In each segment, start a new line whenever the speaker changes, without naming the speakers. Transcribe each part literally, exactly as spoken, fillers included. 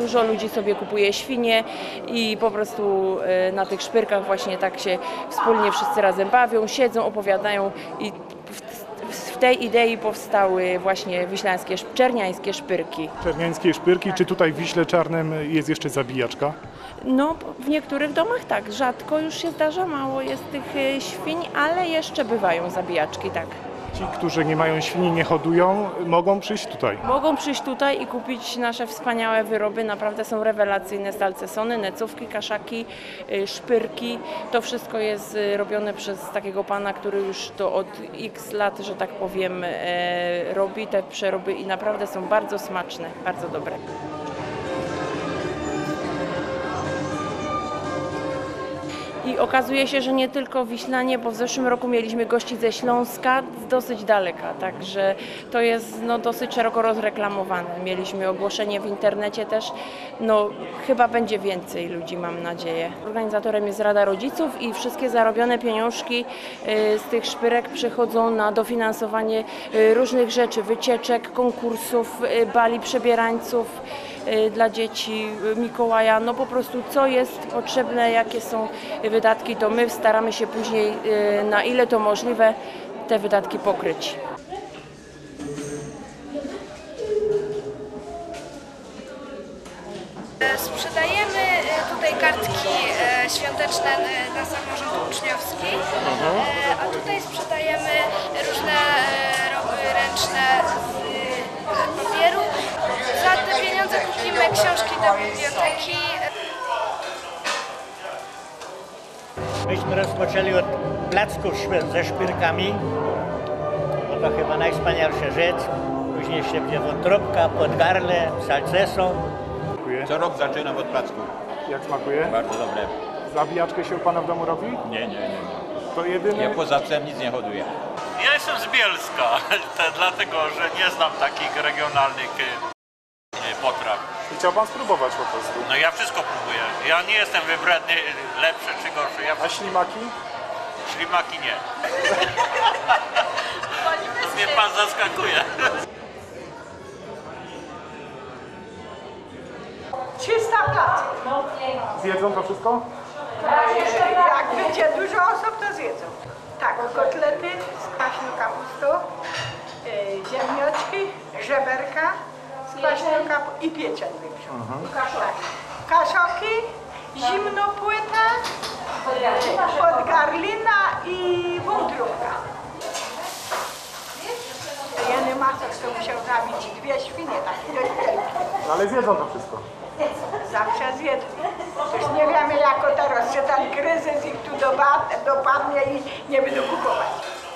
dużo ludzi sobie kupuje świnie i po prostu na tych szpyrkach właśnie tak się wspólnie wszyscy razem bawią, siedzą, opowiadają i w tej idei powstały właśnie wiślańskie, czerniańskie szpyrki.
Czerniańskie szpyrki, tak. Czy tutaj w Wiśle Czarnym jest jeszcze zabijaczka?
No, w niektórych domach tak, rzadko już się zdarza, mało jest tych świń, ale jeszcze bywają zabijaczki, tak.
Ci, którzy nie mają świni, nie hodują, mogą przyjść tutaj?
Mogą przyjść tutaj i kupić nasze wspaniałe wyroby, naprawdę są rewelacyjne, salcesony, necówki, kaszaki, szpyrki. To wszystko jest robione przez takiego pana, który już to od x lat, że tak powiem, robi te przeroby i naprawdę są bardzo smaczne, bardzo dobre. I okazuje się, że nie tylko Wiślanie, bo w zeszłym roku mieliśmy gości ze Śląska, z dosyć daleka, także to jest no, dosyć szeroko rozreklamowane. Mieliśmy ogłoszenie w internecie też, no chyba będzie więcej ludzi, mam nadzieję. Organizatorem jest Rada Rodziców i wszystkie zarobione pieniążki z tych szpyrek przychodzą na dofinansowanie różnych rzeczy, wycieczek, konkursów, bali przebierańców dla dzieci, Mikołaja, no po prostu co jest potrzebne, jakie są wydatki, to my staramy się później, na ile to możliwe, te wydatki pokryć.
Sprzedajemy tutaj kartki świąteczne na samorząd uczniowski, a tutaj sprzedajemy różne roby ręczne z papieru. Za te pieniądze kupimy książki do biblioteki.
Myśmy rozpoczęli od placków ze szpyrkami, bo to chyba najwspanialsza rzecz. Później się będzie wątróbka, podgarle, salceson.
Co rok zaczynam od placków.
Jak smakuje?
Bardzo dobre.
Zabijaczkę się u pana w domu robi?
Nie, nie, nie.
To jedyny...
Ja poza psem nic nie hoduję.
Ja jestem z Bielska, dlatego że nie znam takich regionalnych potraw.
I chciał pan spróbować po prostu?
No ja wszystko próbuję. Ja nie jestem wybredny, lepszy czy gorszy. Ja...
A ślimaki?
Ślimaki nie. Mnie pan zaskakuje.
trzysta placków.
Zjedzą to wszystko?
Jak będzie dużo osób, to zjedzą. Tak, kotlety z kwaśną kapustą, yy, ziemniaczki, żeberka z kwaśną kapustą i pieczeń większą. Mhm. Tak. Kaszoki, zimnopłyta, podgarlina i wątróbka. Jeny Masek to musiał zabić dwie świnie, tak, do wielkie.
No ale zjedzą to wszystko.
Zawsze zjedzą. Już nie wiemy jako teraz, czy ten kryzys ich tu dopadnie i nie będą kupować.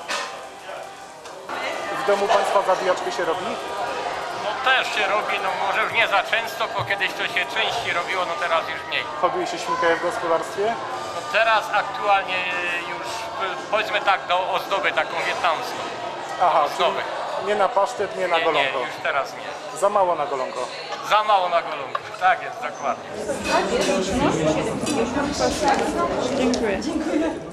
W domu państwa zabijaczkę się robi?
No też się robi, no może już nie za często, bo kiedyś to się częściej robiło, no teraz już mniej.
Hoduje się świnkę w gospodarstwie?
No teraz aktualnie już powiedzmy tak do ozdoby taką wietnamską.
Aha,
ozdoby.
Nie na pasztet, nie na
Nie,
golonko.
nie, już teraz nie.
Za mało na golonko.
Za mało na golonku, tak jest, dokładnie.
Dziękuję. Dziękuję.